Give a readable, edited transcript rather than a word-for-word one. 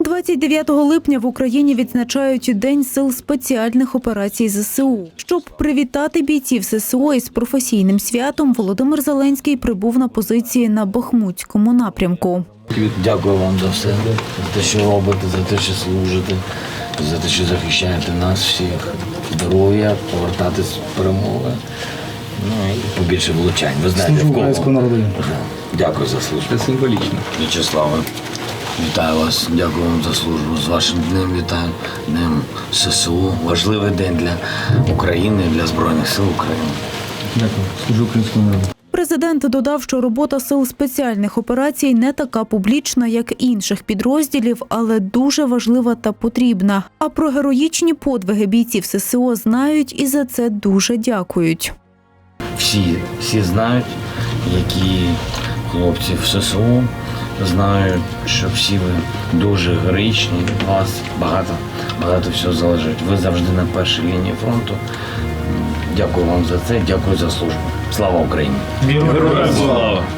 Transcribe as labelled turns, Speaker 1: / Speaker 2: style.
Speaker 1: 29 липня в Україні відзначають День сил спеціальних операцій ЗСУ. Щоб привітати бійців ССО із професійним святом, Володимир Зеленський прибув на позиції на Бахмутському напрямку.
Speaker 2: Дякую вам за все, за те, що робите, за те, що служите, за те, що захищаєте нас всіх. Здоров'я, повертатись з перемоги. Ну і побільше влучань. Ви знаєте, в кого. Дякую за службу.
Speaker 3: Це символічно.
Speaker 2: В'ячеславе, вітаю вас. Дякую вам за службу. З вашим днем вітаю. Днем ССУ. Важливий день для України, для Збройних сил України.
Speaker 3: Дякую. Служу українському народу.
Speaker 1: Президент додав, що робота сил спеціальних операцій не така публічна, як інших підрозділів, але дуже важлива та потрібна. А про героїчні подвиги бійців ССО знають і за це дуже дякують.
Speaker 2: Всі знають, які хлопці в ССУ, знають, що всі ви дуже героїчні, від вас багато всього залежить. Ви завжди на першій лінії фронту. Дякую вам за це, дякую за службу. Слава Україні!
Speaker 3: Героям слава!